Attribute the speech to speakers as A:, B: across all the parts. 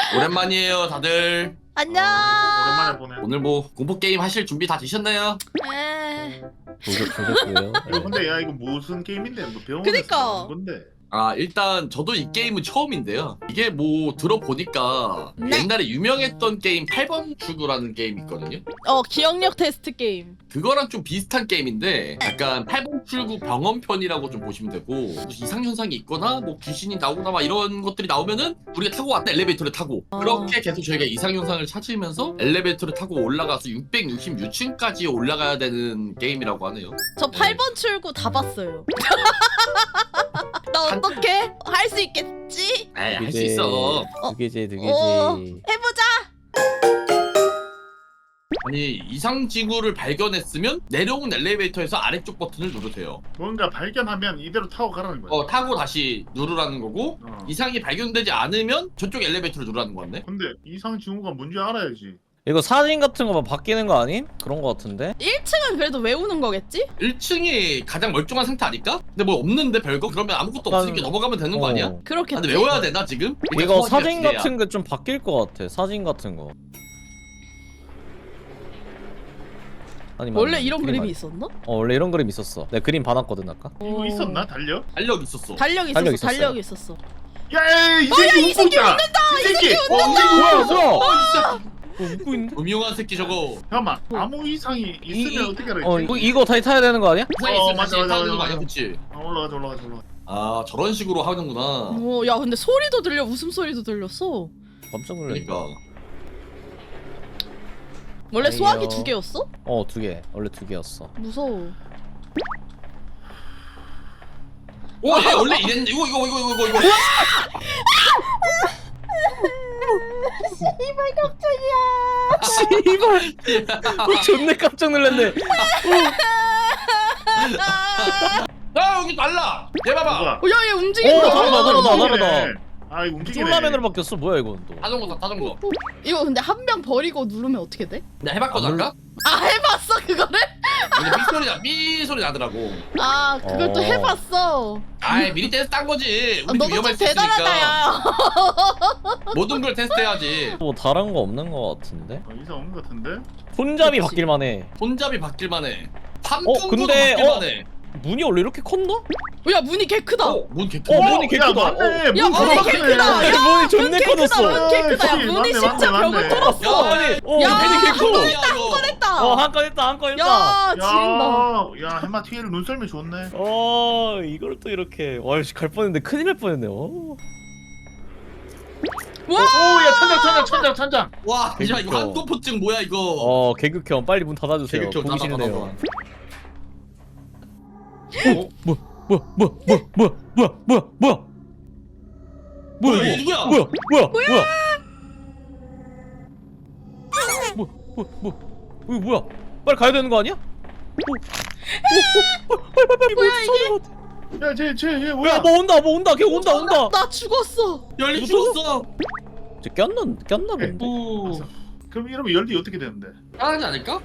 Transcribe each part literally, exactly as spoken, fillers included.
A: 오랜만이에요 다들.
B: 안녕.
C: 오랜만에 보네.
A: 오늘 뭐 공포 게임 하실 준비 다 되셨나요?
B: 에.
D: 조졌, 조졌고요.
C: 이거 근데 야 이거 무슨 게임인데? 뭐 병원에서
B: 그니까.
C: 하는 건데.
A: 아 일단 저도 이 게임은 처음인데요. 이게 뭐 들어보니까
B: 네.
A: 옛날에 유명했던 게임 팔 번 출구라는 게임 있거든요.
B: 어 기억력 테스트 게임.
A: 그거랑 좀 비슷한 게임인데 약간 팔 번 출구 병원편이라고 좀 보시면 되고, 이상 현상이 있거나 뭐 귀신이 나오거나 막 이런 것들이 나오면은 우리가 타고 왔다 엘리베이터를 타고
B: 어.
A: 그렇게 계속 저희가 이상 현상을 찾으면서 엘리베이터를 타고 올라가서 육백육십육 층까지 올라가야 되는 게임이라고 하네요.
B: 저 팔 번 출구 다 봤어요. 나 어떻게 할 수 있겠지?
A: 에이 할 수 있어.
D: 두 개지, 두 개지.
B: 어. 해보자.
A: 아니 이상 지구를 발견했으면 내려온 엘리베이터에서 아래쪽 버튼을 누르세요.
C: 뭔가 발견하면 이대로 타고 가라는 거야.
A: 어 타고 다시 누르라는 거고,
C: 어.
A: 이상이 발견되지 않으면 저쪽 엘리베이터를 누르라는 거 같네.
C: 근데 이상 징후가 뭔지 알아야지.
D: 이거 사진 같은 거 막 바뀌는 거 아님? 그런 거 같은데?
B: 일 층은 그래도 외우는 거겠지?
A: 일 층이 가장 멀쩡한 상태 아닐까? 근데 뭐 없는데 별거? 그러면 아무것도
D: 난-
A: 없으니까 넘어가면 되는 거
D: 어.
A: 아니야? 아,
B: 그렇겠지.
A: 근데 외워야 되나 지금? 일단
D: 이거
A: 소화기가
D: 사진
A: 기대야.
D: 같은 거 좀 바뀔 거 같아. 사진 같은 거. 아니,
B: 원래
D: 맞네.
B: 이런
D: 그림
B: 그림이
D: 아니-
B: 있었나?
D: 어 원래 이런 그림 있었어. 내가 그림 봐놨거든 아까.
C: 이거
B: 어.
C: 있었나? 달려?
A: 달력 있었어.
B: 달력 있었어.
D: 달력
B: 달력,
D: 있었어요.
B: 있었어.
C: 야이
B: 어,
C: 새끼 웃고 있다. 이 새끼. 어, 이 새끼
D: 뭐야
C: 웃고 있어.
D: 뭐야?
A: 어 있어.
D: 어, 웃고 있는데?
A: 음흉한 새끼 저거.
C: 잠깐만. 아무 이상이 있으면
D: 이- 이-
C: 어떻게 알아?
D: 어 이거 이거 다시 타야 되는 거 아니야?
A: 이상이
C: 어,
A: 있으면
C: 맞아,
A: 다시
C: 맞아,
A: 타는 거
C: 맞아,
A: 아니야,
C: 맞아.
A: 그치?
C: 아, 올라가자 올라가자 올라가.
A: 아 저런 식으로 하는구나.
B: 어, 야 근데 소리도 들려. 웃음 소리도 들렸어.
D: 깜짝 놀랐네.
A: 그러니까.
B: 원래
D: 아니요.
B: 소화기 두 개였어?
D: 어 두 개. 원래 두 개였어.
B: 무서워.
A: 오, 얘 원래 이랬는데 이거 이거 이거 이거 이거.
B: 이발 깜짝이야.
D: 씨발. 어, 존내 깜짝 놀랐네.
A: 아 여기 달라. 얘 봐봐.
C: 누가?
B: 어, 야, 얘 움직인다.
D: 오, 다르다, 다르다,
C: 움직이네.
D: 다르다.
C: 아 이거 움직이네.
D: 쫄라맨으로 바뀌었어. 뭐야 이건 또?
A: 자전거다 자전거.
B: 이거 근데 한 명 버리고 누르면 어떻게 돼?
A: 내가 해봤거든 아까.
B: 아 해봤어 그거를?
A: 근데 삐 소리 나, 삐 소리 나더라고.
B: 아 그걸 또
D: 어.
B: 해봤어.
A: 아이 미리 테스트 한 거지.
B: 아,
A: 우리 좀
B: 너도 좀
A: 위험할 수
B: 대단하다
A: 있으니까
B: 야.
A: 모든 걸 테스트해야지.
D: 뭐 다른 거 없는 거 같은데?
C: 어, 이상 없는 것 같은데?
D: 손잡이
B: 그치.
D: 바뀔만 해.
A: 손잡이 바뀔만해. 삼
D: 어,
A: 층도
D: 근데,
A: 바뀔만해.
D: 문이 원래 이렇게 컸나?
B: 야 문이 개 크다.
A: 어, 뭔 개
D: 어,
A: 큰데?
D: 문이 개
C: 야,
D: 크다.
C: 맞네.
D: 어.
B: 야,
C: 문
B: 문이
C: 바로
B: 개
C: 막히네.
B: 크다. 야,
D: 문이 존내
B: 문 개 크다.
D: 커졌어.
B: 문 개 크다. 야
C: 그치,
B: 문이
C: 맞네,
B: 진짜
C: 맞네,
B: 벽을
C: 맞네.
B: 뚫었어.
A: 야,
D: 아니, 어,
B: 야,
D: 문이 개 커.
A: 야, 이거.
B: 했다.
D: 어, 한 건 했다, 한 건 했다.
B: 야 지린다.
C: 야, 야 해마 티에를 눈썰미 좋네.
D: 어, 이걸 또 이렇게. 와, 씨, 갈 뻔했는데 큰일 날 뻔했네. 어.
B: 와.
C: 오야 천장 천장 천장 천장.
A: 와, 야 이거
D: 그러니까.
A: 한동포증 뭐야 이거?
D: 어, 개극형 빨리 문 닫아주세요.
A: 개극형
D: 보기
A: 닫아,
D: 싫네요.
A: 닫아,
D: 어? 뭐야, 뭐야, 뭐야, 뭐야, 뭐야, 뭐야, 뭐야, 뭐야?
A: 뭐야,
D: 뭐야,
A: 얘 누구야?
D: 뭐야, 뭐야, 뭐야? 뭐, 뭐, 뭐, 이거 뭐야? 빨리 가야 되는 거 아니야? 오, 오, 오, 빨리, 빨리, 빨리,
B: 뭐야,
D: 이게?
C: 야쟤쟤얘
D: 야,
C: 뭐야?
D: 뭐 온다, 뭐 온다, 걔 온다, 온다.
B: 나 죽었어.
A: 열리
D: 누구?
A: 죽었어.
D: 저 꼈나, 꼈나 본데.
A: 오,
C: 그럼 이러면 열리 어떻게 되는데?
A: 따라하지 않을까?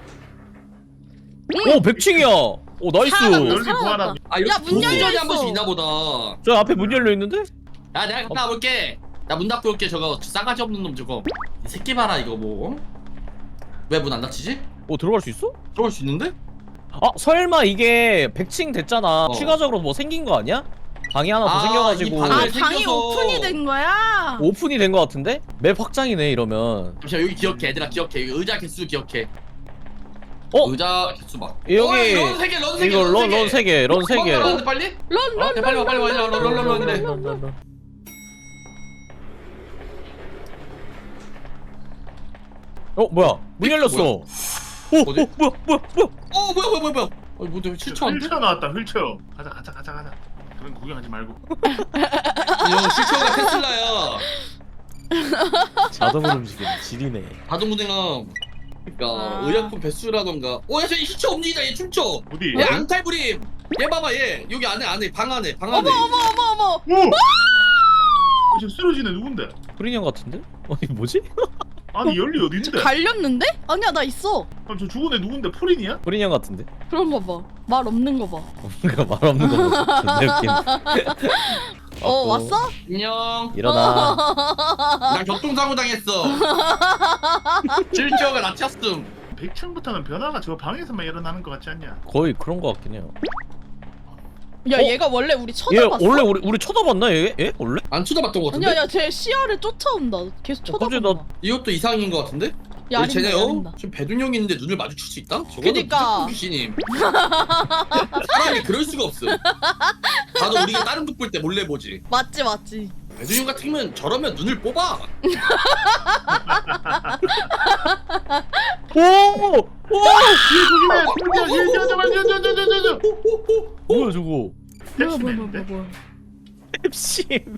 D: 오, 백 층이야. 오, 나이스.
B: 살아났다.
C: 열리
B: 살아났다.
C: 구하라.
A: 아 이렇게
B: 야, 문 열려
A: 도전이 한
B: 있어.
A: 번씩 있나 보다.
D: 저 앞에 문 열려 있는데?
A: 야 내가 갔다 와볼게. 나 문 닫고 올게. 저거 싸가지 없는 놈 저거. 이 새끼 봐라 이거 뭐. 왜 문 안 닫히지?
D: 오, 들어갈 수 있어?
A: 들어올 수 있는데?
D: 아, 설마 이게 백 층 됐잖아.
A: 어.
D: 추가적으로 뭐 생긴 거 아니야? 방이 하나 더
A: 아,
D: 생겨가지고
A: 이
B: 아
A: 방을
B: 방이
A: 생겨서.
B: 오픈이 된 거야.
D: 오픈이 된 거 같은데? 맵 확장이네 이러면.
A: 잠시만 여기 기억해 얘들아 기억해. 여기 의자 개수 기억해.
D: 어?
A: 의자 개수 막.
D: 여기
A: 어, 런 세 개, 런 세 개,
D: 이거 런 런 세 개, 런 세 개.
A: 런데 빨리?
B: 런
A: 어,
B: 런.
A: 빨리 와 빨리 와 얘들아 런런런런이래.
D: 어 뭐야? 문 열렸어.
A: 뭐야?
D: 오,
A: 어디?
D: 오 뭐야 뭐야 뭐야?
A: 어 뭐야 뭐야 뭐야 뭐야. 어 뭐야 실추한데?
C: 휠체어 나왔다 휠체어. 가자 가자 가자 가자. 그런 구경하지 말고.
A: 이거 실추가 테슬라야.
D: 자동으로 움직이는 지리네.
A: 자동운행함. 그러니까
B: 아.
A: 의약품 배수라던가. 어야 저 시체 움직이다 얘 춤춰.
C: 어디?
A: 얘 앙탈부림. 얘 봐봐 얘 여기 안에 안에 방 안에 방 안에.
B: 어머 어머 어머 어머.
C: 오! 어, 지금 쓰러지네 누군데?
D: 프리년 같은데? 아니 뭐지?
C: 아니 열리 어딘데?
B: 갈렸는데? 아니야 나 있어.
C: 아, 저 죽은 애 누군데? 포린이야?
D: 프리년 같은데?
B: 그런 거 봐. 말 없는 거 봐.
D: 뭔가 말 없는 거 같아. 존나 웃긴.
B: 어 왔어?
A: 안녕.
D: 일어나.
A: 나 교통사고 당했어. 실적을 낮췄음.
C: 백 층부터는 변화가 저 방에서만 일어나는 것 같지 않냐?
D: 거의 그런 거 같긴 해요.
B: 야
D: 어?
B: 얘가 원래 우리
D: 얘
B: 쳐다봤어?
D: 원래 우리 우리 쳐다봤나 얘? 얘 원래?
A: 안 쳐다봤던 것 같은데?
B: 아니야 야쟤 시야를 쫓아온다. 계속
D: 어, 갑자기
B: 쳐다본다.
A: 이것도 이상인 것 같은데?
B: 야
A: 우리 쟤네요?
B: 야린다.
A: 지금 배둔형이 있는데 눈을 마주칠 수 있다? 저거는
B: 그니까.
A: 무조건 귀신임. 사람이 그럴 수가 없어. 다들 우리가 다른 북 볼 때 몰래 보지.
B: 맞지 맞지.
A: 배둔형 같으면 저러면 눈을 뽑아.
D: 오! 오!
C: 조심해! 조심해! 조심해! 조심해!
D: 뭐야 저거?
B: 뭐야 뭐야 뭐야
C: 펩시맨인데?
B: 뭐야.
D: 펩시맨.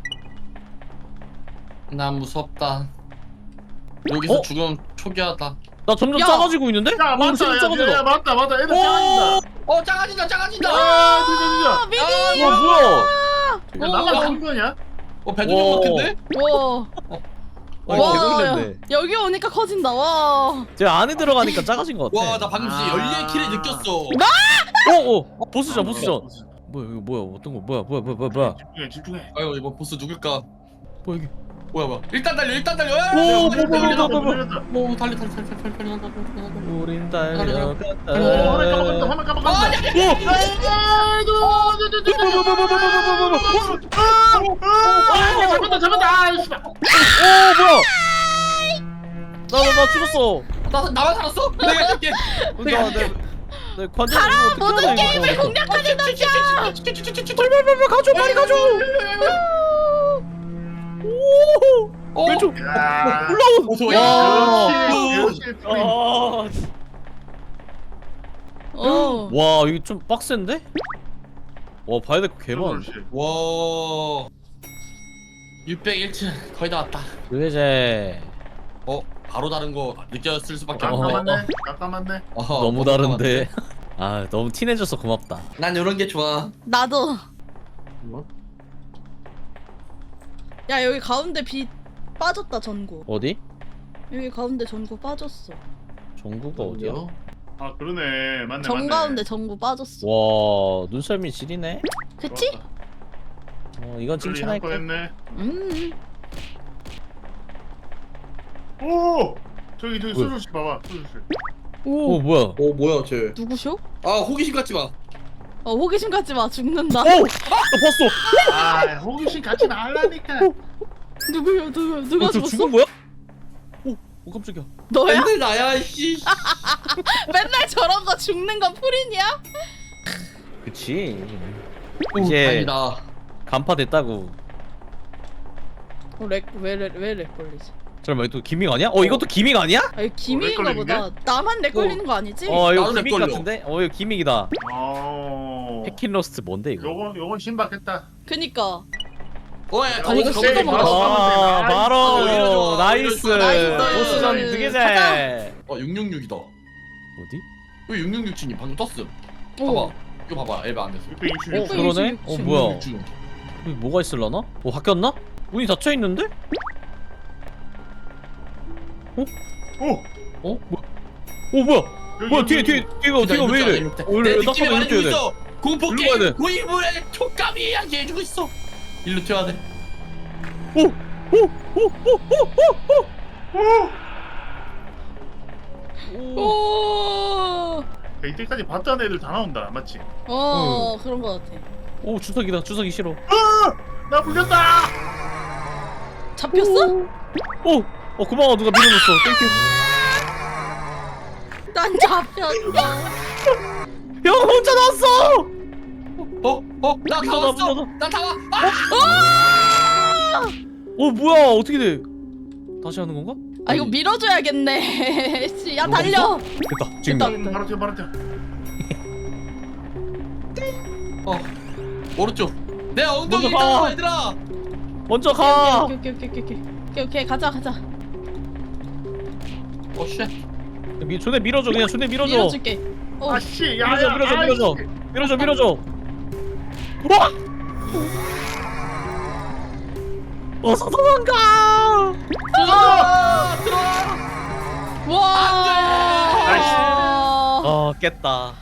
A: 난 무섭다. 여기서
D: 어?
A: 죽음 초기하다.
D: 나 점점
B: 야!
D: 작아지고 있는데?
C: 야
D: 어,
C: 맞다
D: 점점
C: 야,
D: 작아져.
C: 야 맞다 맞다 애들
D: 오!
C: 작아진다.
A: 어 작아진다 작아진다.
C: 아 진짜 진짜.
B: 미니.
D: 와 뭐야?
C: 야, 나만 한 거냐?
A: 어 배둔형
D: 와.
A: 같은데?
B: 와.
D: 와,
B: 와,
D: 개놀랐네.
B: 야, 여기 오니까 커진다. 와.
D: 제 안에 들어가니까 작아진 것 같아.
A: 와 나 방금 진짜
C: 아.
A: 열리의 키를 느꼈어.
D: 오! 오! 보스전 보스전. 뭐야 이거 뭐야 어떤 거 뭐야 뭐야 뭐야 뭐야 뭐야
C: 집중해 집중해.
A: 아유 이번 보스 누굴까?
D: 뭐야 이게?
A: 뭐야 뭐야. 일단 달려 일단 달려.
D: 오,
A: 야,
D: 뭐,
A: 달려,
D: 뭐,
A: 달려,
D: 뭐,
A: 달려.
D: 뭐, 뭐.
C: 열렸다.
A: 오 달려 달려 달려 달려 달려 달려 달려.
D: 우린
A: 달려갔다.
C: 어, 화면 까먹었다 화면 까먹었다.
A: 아, 야, 야, 야,
C: 잡았다 잡았다. 아 씨발.
D: 오 뭐야? 나나 나 죽었어.
A: 나 나만 살았어? 내가 할게.
D: 나 내 내 관절
B: 가라, 모든 게임을 공략하는 남자.
D: 빨리 가줘 빨리 가줘. 오.
A: 어.
D: 왼쪽
C: 야.
D: 올라온.
A: 무서워.
D: 와.
C: 역시 역시 프린.
D: 아.
B: 어.
D: 와 이거 좀 빡센데? 와 봐야 될 거 개 많아.
C: 그렇지.
A: 와. 육백일 층 거의 다 왔다.
D: 그제
A: 어 바로 다른 거 느꼈을 수밖에
D: 어.
A: 없네.
C: 깜깜한데 깜깜한데.
A: 어허,
D: 너무 다른데. 아 너무 티내줘서 고맙다.
A: 난 이런 게 좋아.
B: 나도.
A: 뭐?
B: 야 여기 가운데 빛 빠졌다 전구.
D: 어디?
B: 여기 가운데 전구 빠졌어.
D: 정구가 어디야?
C: 아 그러네 맞네
B: 정
C: 맞네.
B: 가운데 전구 빠졌어.
D: 와 눈썰미 지리네.
B: 그치?
C: 좋았다.
D: 어 이건
C: 빨리
D: 칭찬할게.
C: 한건 했네.
B: 음.
C: 오 저기 저기
D: 뭐야?
C: 수술실 봐봐 수술실.
B: 오.
D: 오 뭐야?
A: 어 뭐야 쟤?
B: 누구셔?
A: 아 호기심 갖지 마.
B: 어 호기심 갖지 마. 죽는다.
D: 오! 나 봤어.
C: 아 호기심 같이 나라니까.
B: 누구야 누구 누가
D: 어, 저
B: 죽었어?
D: 죽은 거야? 오, 오 깜짝이야.
B: 너야?
A: 맨날 나야 씨.
B: 맨날 저런 거 죽는 건 프린이야?
D: 그치.
A: 오,
D: 이제
A: 다행이다.
D: 간파 됐다고.
B: 어렉왜렉왜렉 걸리지?
D: 잠깐만 이거 또 기믹 아니야? 어 이것도 기믹 아니야?
B: 아 이거 기믹인가
C: 렉
B: 보다. 나만 렉 걸리는 거 아니지?
D: 어 이거
A: 나도 렉
D: 기믹
A: 걸려.
D: 같은데? 어 이거 기믹이다.
C: 어.
D: 패킨러스트 뭔데 이거?
C: 요건 요건 신박했다.
B: 그니까.
A: 어야
C: 야,
A: 거기서
B: 이거
A: 거기서
B: 세게
A: 먹어.
B: 먹어.
D: 아
C: 나이스.
D: 바로
A: 어, 오히려 좋아,
D: 나이스.
A: 오히려 좋아.
B: 나이스.
D: 보스전
B: 가자.
D: 두개제.
A: 어 육육육이다.
D: 어디?
A: 왜 육육육 층이 방금 떴음.
B: 오.
A: 봐봐. 이거 봐봐. 엘바 안 됐어.
C: 육백이십.
D: 어 그러네? 어 뭐야?
A: 육육육 층.
D: 여기 뭐가 있을라나? 어 바뀌었나? 문이 닫혀 있는데?
C: 오.
A: 어?
D: 오 뭐야?
C: 여기,
D: 뭐야
C: 여기,
D: 뒤에
C: 여기.
D: 뒤에 뒤가 뒤가 왜 이래? 어,
A: 내
D: 이래
A: 느낌이
D: 딱 봐도
A: 말해주고
D: 이렇게 해야 돼.
A: 있어. 공포
D: 일로 가야 돼.
A: 게임 고인물의 촉감이 이야기해주고 있어. 일로 튀어야 돼.
D: 오! 오! 오! 오! 오! 오! 오!
B: 오.
C: 야, 이때까지 봤던 애들 다 나온다 맞지?
B: 어 그런 거 같아.
D: 오 주석이다 주석이 싫어.
C: 나 불렸다.
B: 잡혔어?
D: 오! 어 고마워 누가 밀어줬어. 땡큐.
B: 난 잡혔어.
D: 형 혼자 나왔어!
A: 어? 어? 나 다
D: 밀어놔,
A: 왔어.
D: 밀어놔.
A: 나 다 와. 아!
D: 어 뭐야 어떻게 돼? 다시 하는 건가?
B: 아 이거 밀어줘야겠네. 씨, 야 달려.
D: 됐다 지금.
B: 됐다.
C: 음, 바로 튀어 바로 튀어.
A: 어. 오른쪽. 내 엉덩이
D: 먼저 가.
A: 따라와 얘들아.
D: 먼저 가.
B: 오케이 오케이 오케이 오케이 오케이 오케이 오케이 가자 가자.
A: 어 쉣.
D: 미, 존에 밀어줘 그냥 존에 밀어줘.
B: 밀어줄게. 어.
C: 아씨
D: 밀어줘
C: 야야
D: 밀어줘 밀어줘 밀어줘 밀어줘. 와! 어서 도망가.
A: 들어와. 들어와.
B: 와.
C: 나이스.
D: 어 깼다.